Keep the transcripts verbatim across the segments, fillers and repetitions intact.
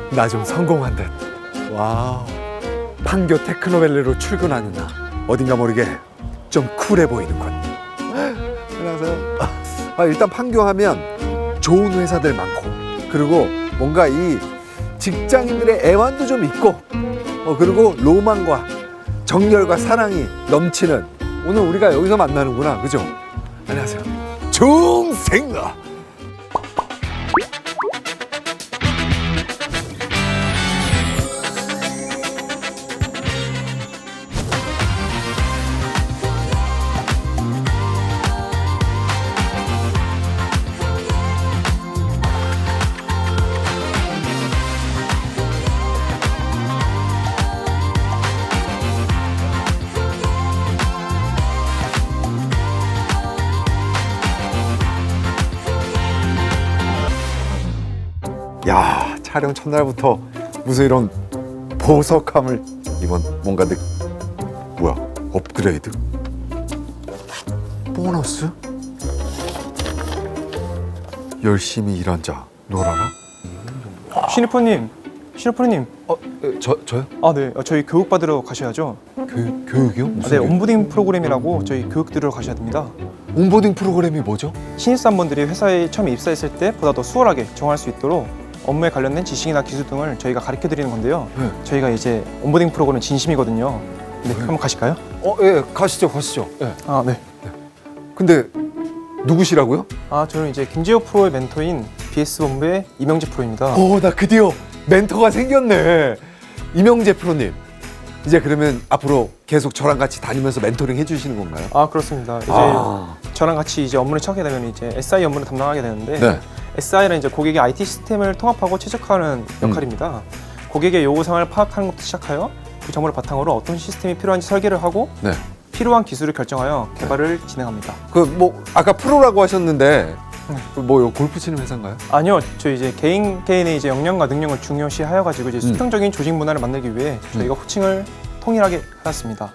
나 좀 성공한 듯. 와우. 판교 테크노밸리로 출근하는 나. 어딘가 모르게 좀 쿨해 보이는군. 안녕하세요. 아, 일단 판교 하면 좋은 회사들 많고, 그리고 뭔가 이 직장인들의 애환도 좀 있고, 어, 그리고 로망과 정열과 사랑이 넘치는, 오늘 우리가 여기서 만나는구나. 그죠? 안녕하세요. 중생아. 야, 촬영 첫날부터 무슨 이런 보석함을 이번 뭔가 느... 뭐야? 업그레이드? 보너스? 열심히 일한 자 놀아라? 신입프로님, 신입프로님. 어, 저, 저요? 아, 네. 저희 교육 받으러 가셔야죠. 교육, 교육이요? 아, 무슨 네, 교육? 온보딩 프로그램이라고 저희 교육 들으러 가셔야 됩니다. 온보딩 프로그램이 뭐죠? 신입사원분들이 회사에 처음 입사했을 때 보다 더 수월하게 적응할 수 있도록 업무에 관련된 지식이나 기술 등을 저희가 가르쳐 드리는 건데요. 네. 저희가 이제 온보딩 프로그램 진심이거든요. 네, 한번 가실까요? 어, 예, 가시죠, 가시죠. 예. 아, 네. 근데 누구시라고요? 아, 저는 이제 김지호 프로의 멘토인 비에스 본부의 이명재 프로입니다. 오, 나 드디어 멘토가 생겼네. 이명재 프로님. 이제 그러면 앞으로 계속 저랑 같이 다니면서 멘토링 해주시는 건가요? 아, 그렇습니다. 이제 아. 저랑 같이 이제 업무를 처하게 되면 이제 에스아이 업무를 담당하게 되는데, 네. 에스아이는 이제 고객의 아이티 시스템을 통합하고 최적화하는 역할입니다. 고객의 요구사항을 파악하는 것부터 시작하여 그 정보를 바탕으로 어떤 시스템이 필요한지 설계를 하고 네. 필요한 기술을 결정하여 개발을 진행합니다. 그 뭐 아까 프로라고 하셨는데 네. 그 뭐 골프 치는 회사인가요? 아니요, 저희 이제 개인 개인의 이제 역량과 능력을 중요시하여 가지고 이제 수평적인 조직 문화를 만들기 위해 저희가 호칭을 통일하게 하였습니다.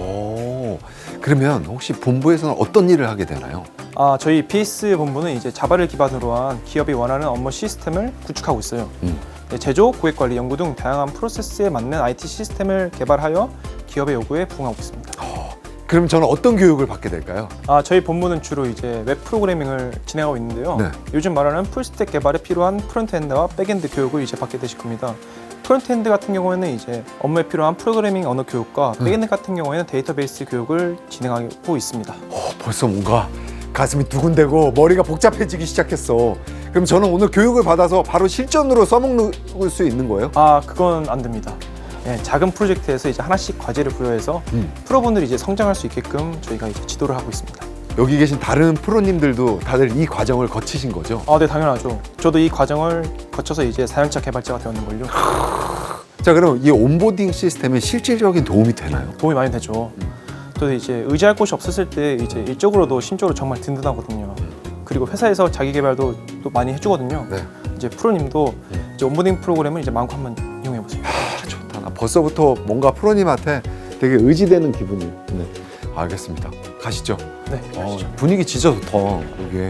오, 그러면 혹시 본부에서는 어떤 일을 하게 되나요? 아, 저희 비에스 본부는 이제 자바를 기반으로 한 기업이 원하는 업무 시스템을 구축하고 있어요. 음. 네, 제조, 고객관리, 연구 등 다양한 프로세스에 맞는 아이티 시스템을 개발하여 기업의 요구에 부응하고 있습니다. 그럼 저는 어떤 교육을 받게 될까요? 아, 저희 본부는 주로 이제 웹 프로그래밍을 진행하고 있는데요. 네. 요즘 말하는 풀스택 개발에 필요한 프론트엔드와 백엔드 교육을 이제 받게 되실 겁니다. 프론트엔드 같은 경우에는 이제 업무에 필요한 프로그래밍 언어 교육과 네. 백엔드 같은 경우에는 데이터베이스 교육을 진행하고 있습니다. 어, 벌써 뭔가 가슴이 두근대고 머리가 복잡해지기 시작했어. 그럼 저는 오늘 교육을 받아서 바로 실전으로 써먹을 수 있는 거예요? 아, 그건 안 됩니다. 네, 작은 프로젝트에서 이제 하나씩 과제를 부여해서 음. 프로분들이 이제 성장할 수 있게끔 저희가 이제 지도를 하고 있습니다. 여기 계신 다른 프로님들도 다들 이 과정을 거치신 거죠? 아, 네, 당연하죠. 저도 이 과정을 거쳐서 이제 사 년차 개발자가 되었는걸요. 자, 그럼 이 온보딩 시스템에 실질적인 도움이 되나요? 도움이 많이 되죠. 또 이제 의지할 곳이 없었을 때 이제 일적으로도 심적으로 정말 든든하거든요. 그리고 회사에서 자기 개발도 또 많이 해주거든요. 네. 이제 프로님도 이제 온보딩 프로그램을 이제 마음껏 한번 이용해 보세요. 아, 좋다. 나 벌써부터 뭔가 프로님한테 되게 의지되는 기분이. 네. 알겠습니다. 가시죠. 네, 어, 가시죠. 분위기 진짜 좋다. 여기.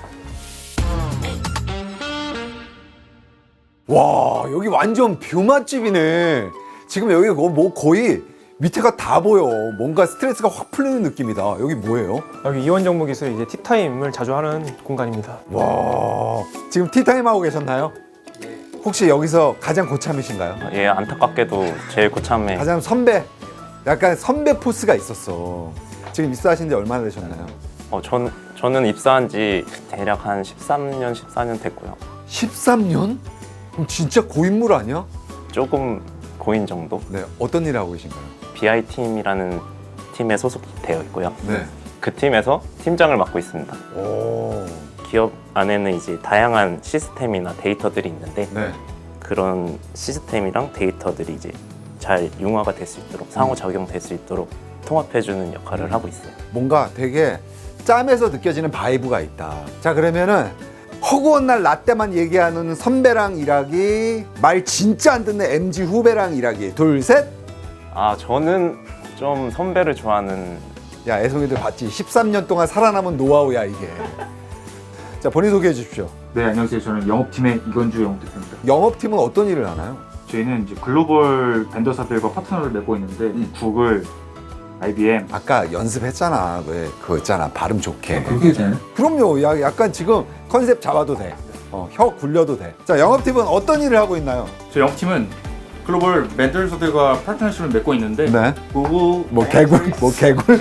와, 여기 완전 뷰 맛집이네. 지금 여기 뭐 거의 밑에가 다 보여. 뭔가 스트레스가 확 풀리는 느낌이다. 여기 뭐예요? 여기 이원정보기술 이제 티타임을 자주 하는 공간입니다. 와, 지금 티타임 하고 계셨나요? 혹시 여기서 가장 고참이신가요? 예, 안타깝게도 제일 고참에 가장 선배, 약간 선배 포스가 있었어. 지금 입사하신 지 얼마나 되셨나요? 어, 전, 저는 입사한 지 대략 한 십삼 년, 십사 년 됐고요. 십삼 년? 그럼 진짜 고인물 아니야? 조금 고인 정도? 네, 어떤 일을 하고 계신가요? 비아이팀이라는 팀에 소속되어 있고요. 네. 그 팀에서 팀장을 맡고 있습니다. 오, 기업 안에는 이제 다양한 시스템이나 데이터들이 있는데 네. 그런 시스템이랑 데이터들이 이제 잘 융화가 될 수 있도록 상호작용될 수 있도록 통합해주는 역할을 하고 있어요. 뭔가 되게 짬에서 느껴지는 바이브가 있다. 자, 그러면은 허구한 날 라떼만 얘기하는 선배랑 일하기, 말 진짜 안 듣는 엠지 후배랑 일하기. 둘, 셋. 아, 저는 좀 선배를 좋아하는 야, 애송이들 봤지? 십삼 년 동안 살아남은 노하우야, 이게. 자, 자, 본인 소개해 주십시오. 네, 안녕하세요. 저는 영업팀의 이건주 영업대표입니다. 영업팀은 어떤 일을 하나요? 저희는 이제 글로벌 벤더사들과 파트너를 맺고 있는데 음. 구글, 아이비엠. 아까 연습했잖아. 왜 그거 있잖아. 발음 좋게. 그렇게 되나요? 그럼요. 야, 약간 지금 컨셉 잡아도 돼. 어, 혀 굴려도 돼. 자, 영업팀은 어떤 일을 하고 있나요? 저희 영업팀은 글로벌 벤더사들과 파트너십을 맺고 있는데 네. 구글, 뭐 개굴? 뭐 개굴?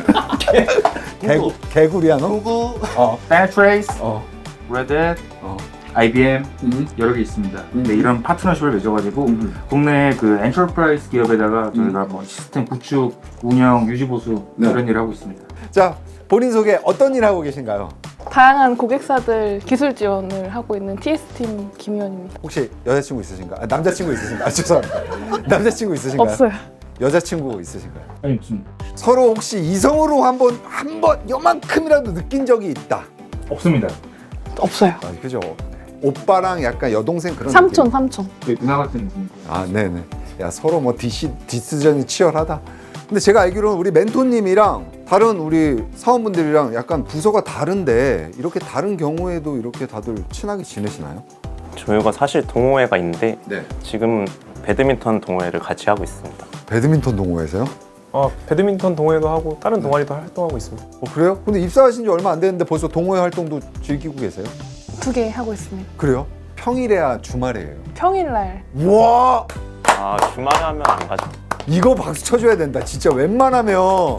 개굴 개굴이야 너? 구글, 어. 다이트레이스, 어. 레딧, 어. 아이비엠 음. 여러 개 있습니다. 음. 네, 이런 파트너십을 맺어가지고 음. 국내 그 엔터프라이즈 기업에다가 저희가 뭐 시스템 구축, 운영, 유지 보수 네. 이런 일을 하고 있습니다. 자, 본인 소개 어떤 일 하고 계신가요? 다양한 고객사들 기술 지원을 하고 있는 티에스팀 김희원입니다. 혹시 여자친구 있으신가? 아, 남자친구 있으신가? 아, 죄송합니다. 남자친구 있으신가요? 없어요. 여자친구 있으신가요? 아니 무슨 서로 혹시 이성으로 한번 한번 요만큼이라도 느낀 적이 있다. 없습니다. 없어요. 아, 그죠? 오빠랑 약간 여동생 그런 삼촌, 느낌. 삼촌. 저희 누나 같은 분이고. 아, 네네. 야, 서로 뭐 디시, 디스전이 치열하다. 근데 제가 알기로는 우리 멘토님이랑 다른 우리 사원분들이랑 약간 부서가 다른데 이렇게 다른 경우에도 이렇게 다들 친하게 지내시나요? 저희가 사실 동호회가 있는데 네. 지금 배드민턴 동호회를 같이 하고 있습니다. 배드민턴 동호회에서요? 어, 배드민턴 동호회도 하고 다른 동아리도 활동하고 있습니다. 어, 그래요? 근데 입사하신 지 얼마 안 됐는데 벌써 동호회 활동도 즐기고 계세요? 두 개 하고 있습니다. 그래요? 평일에야 주말에예요? 평일날 우와! 아 주말에 하면 안 가죠. 이거 박수 쳐줘야 된다. 진짜 웬만하면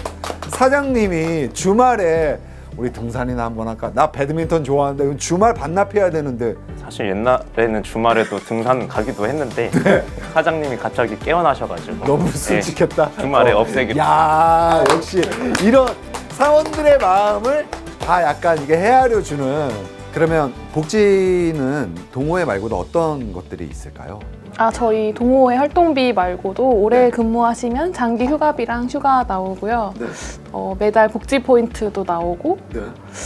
사장님이 주말에 우리 등산이나 한번 할까? 나 배드민턴 좋아하는데 이건 주말 반납해야 되는데 사실 옛날에는 주말에도 등산 가기도 했는데 사장님이 갑자기 깨어나셔가지고 너무 네, 솔직했다. 주말에 어. 없애기로. 야, 역시 이런 사원들의 마음을 다 약간 이게 헤아려 주는. 그러면 복지는 동호회 말고도 어떤 것들이 있을까요? 아 저희 동호회 활동비 말고도 오래 근무하시면 장기 휴가비랑 휴가 나오고요. 네. 어, 매달 복지 포인트도 나오고 네.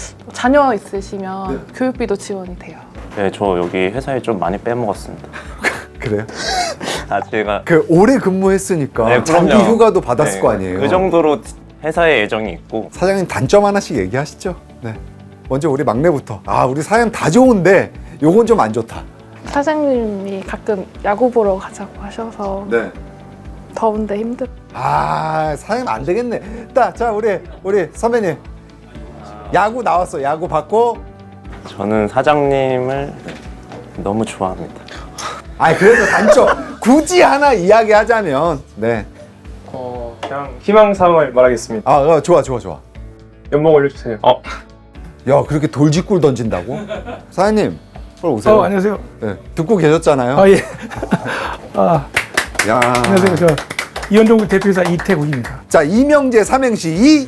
자녀 있으시면 네. 교육비도 지원이 돼요. 네, 저 여기 회사에 좀 많이 빼먹었습니다. 그래요? 아 제가 그 오래 근무했으니까 네, 장기 그럼요. 휴가도 받았을 네, 거 아니에요? 그 정도로 회사에 애정이 있고. 사장님 단점 하나씩 얘기하시죠. 네. 먼저 우리 막내부터. 아, 우리 사장 다 좋은데 요건 좀 안 좋다. 사장님이 가끔 야구 보러 가자고 하셔서 네. 더운데 힘들. 아, 사장님 안 되겠네. 자, 자 우리 우리 선배님. 야구 나왔어. 야구 받고. 저는 사장님을 너무 좋아합니다. 아, 그래도 단점 굳이 하나 이야기하자면, 네. 어, 그냥 희망사항을 말하겠습니다. 아, 어, 좋아, 좋아, 좋아. 연봉 올려주세요. 어, 야, 그렇게 돌직구를 던진다고? 사장님, 빨리 오세요. 어, 안녕하세요. 네, 듣고 계셨잖아요. 아, 예. 아, 야, 안녕하세요. 저 이현종 대표이사 이태국입니다. 자, 이명재 삼행시 이.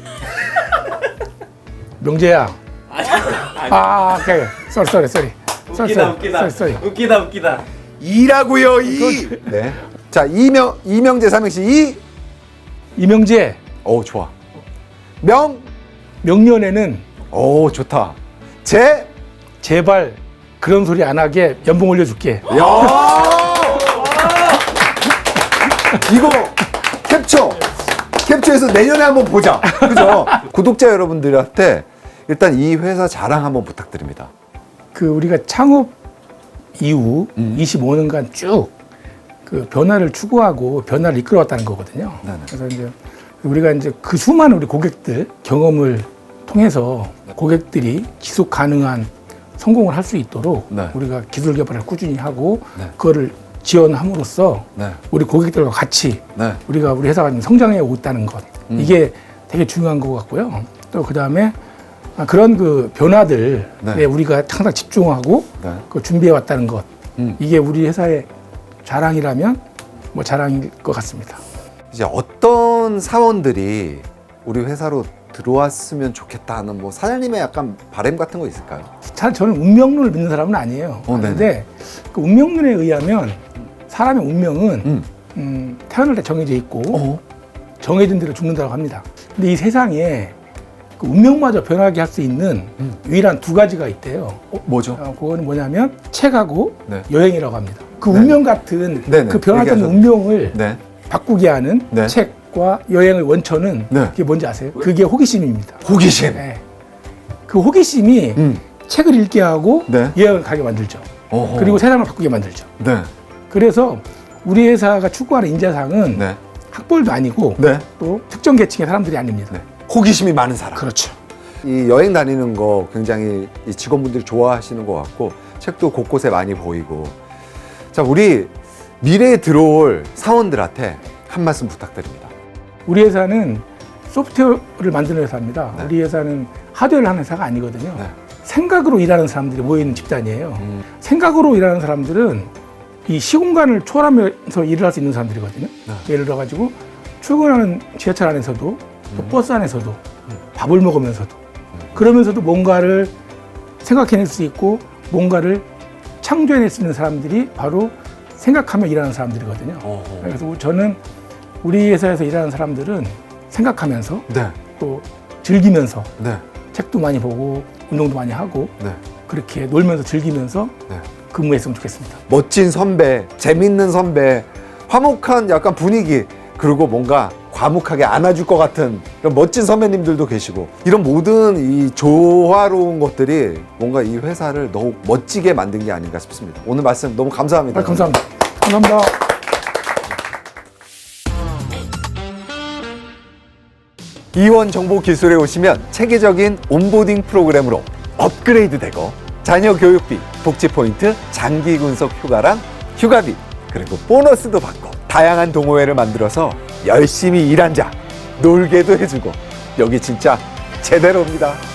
명재야. 아, 오케이. 쏘리, 쏘리, 쏘리. 웃기다, 웃기다. 쏘리, 쏘리. 웃기다 웃기다. 이라고요, 이. 네. 자, 이명 이명재 삼행시 이. 이명재. 오, 좋아. 명. 명년에는 오, 좋다. 재. 제발 그런 소리 안 하게 연봉 올려줄게. 야. 이거 캡처. 캡처해서 내년에 한번 보자. 그죠? 구독자 여러분들한테 일단 이 회사 자랑 한번 부탁드립니다. 그 우리가 창업 이후 음. 이십오 년간 쭉 그 변화를 추구하고 변화를 이끌어왔다는 거거든요. 네네. 그래서 이제 우리가 이제 그 수많은 우리 고객들 경험을 통해서 고객들이 지속 가능한 성공을 할 수 있도록 네. 우리가 기술 개발을 꾸준히 하고 네. 그거를 지원함으로써 네. 우리 고객들과 같이 네. 우리가 우리 회사가 좀 성장해 오고 있다는 것 음. 이게 되게 중요한 것 같고요. 또 그 다음에 그런 그 변화들에 네. 우리가 항상 집중하고 네. 그 준비해 왔다는 것 음. 이게 우리 회사의 자랑이라면 뭐 자랑일 것 같습니다. 이제 어떤 사원들이 우리 회사로 들어왔으면 좋겠다는 뭐 사장님의 약간 바람 같은 거 있을까요? 잘 저는 운명론을 믿는 사람은 아니에요. 어, 네네. 그런데 그 운명론에 의하면 사람의 운명은 음. 음, 태어날 때 정해져 있고 어. 정해진 대로 죽는다고 합니다. 근데 이 세상에 그 운명마저 변하게 할 수 있는 음. 유일한 두 가지가 있대요. 어, 뭐죠? 어, 그거는 뭐냐면 책하고 네. 여행이라고 합니다. 그 네네. 운명 같은 네네. 그 변하던 얘기하셨- 운명을 네. 바꾸게 하는 네. 책과 여행의 원천은 네. 그게 뭔지 아세요? 그게 호기심입니다. 호기심. 네. 그 호기심이 음. 책을 읽게 하고 네. 예약을 가게 만들죠. 어허. 그리고 세상을 바꾸게 만들죠. 네. 그래서 우리 회사가 추구하는 인재상은 네. 학벌도 아니고 네. 또 특정 계층의 사람들이 아닙니다. 네. 호기심이 많은 사람. 그렇죠. 이 여행 다니는 거 굉장히 이 직원분들이 좋아하시는 것 같고 책도 곳곳에 많이 보이고. 자, 우리 미래에 들어올 사원들한테 한 말씀 부탁드립니다. 우리 회사는 소프트웨어를 만드는 회사입니다. 네. 우리 회사는 하드웨어를 하는 회사가 아니거든요. 네. 생각으로 일하는 사람들이 모여있는 집단이에요. 음. 생각으로 일하는 사람들은 이 시공간을 초월하면서 일을 할 수 있는 사람들이거든요. 네. 예를 들어가지고 출근하는 지하철 안에서도 또 버스 안에서도 밥을 먹으면서도 그러면서도 뭔가를 생각해낼 수 있고 뭔가를 창조해낼 수 있는 사람들이 바로 생각하며 일하는 사람들이거든요. 어허. 그래서 저는 우리 회사에서 일하는 사람들은 생각하면서 네. 또 즐기면서 네. 책도 많이 보고 운동도 많이 하고 네. 그렇게 놀면서 즐기면서 네. 근무했으면 좋겠습니다. 멋진 선배, 재밌는 선배, 화목한 약간 분위기, 그리고 뭔가 과묵하게 안아줄 것 같은 이런 멋진 선배님들도 계시고, 이런 모든 이 조화로운 것들이 뭔가 이 회사를 더욱 멋지게 만든 게 아닌가 싶습니다. 오늘 말씀 너무 감사합니다. 아, 감사합니다. 감사합니다. 이원 정보 기술에 오시면 체계적인 온보딩 프로그램으로 업그레이드 되고, 자녀 교육비, 복지 포인트, 장기 군속 휴가랑 휴가비, 그리고 보너스도 받고, 다양한 동호회를 만들어서 열심히 일한 자 놀게도 해주고, 여기 진짜 제대로입니다.